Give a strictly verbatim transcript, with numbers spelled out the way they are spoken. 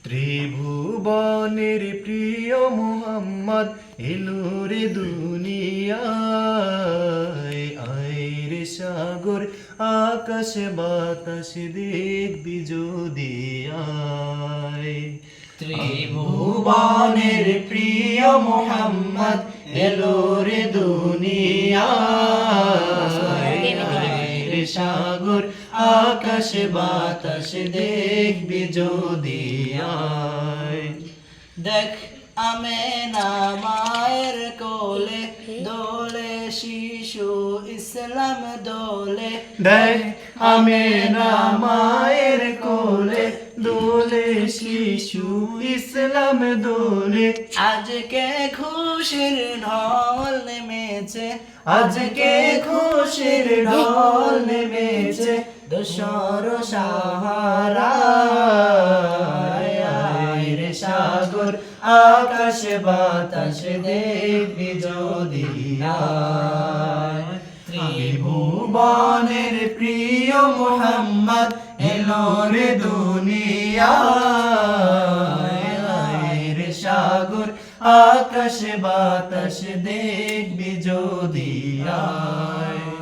ত্রিভুবনের প্রিয় মুহাম্মদ এলো রে দুনিয়ায়, আয় রে সাগর আকাশ বাতাস দেখবি যদি আয়। ত্রিভুবনের প্রিয় মুহাম্মদ এলো রে দুনিয়ায়, আয় রে সাগর আকাশ বাতাস দেখবি যদি আয়। দেখ আমেনা মায়ের কোলে দোলে শিশু ইসলাম দোলে, দেখ আমেনা মায়ের কোলে দোলে শিশু ইসলাম দোলে। আজকে খুশির ঢল নেমেছে, আজকে খুশির ঢল নেমেছে দোসর সাহারা, আয় রে সাগর আকাশ বাতাস দেখবি যদি আয়। ত্রিভুবনের প্রিয় মুহাম্মদ এলো রে দুনিয়ায়, আয় রে সাগর আকাশ বাতাস দেখবি যদি আয়।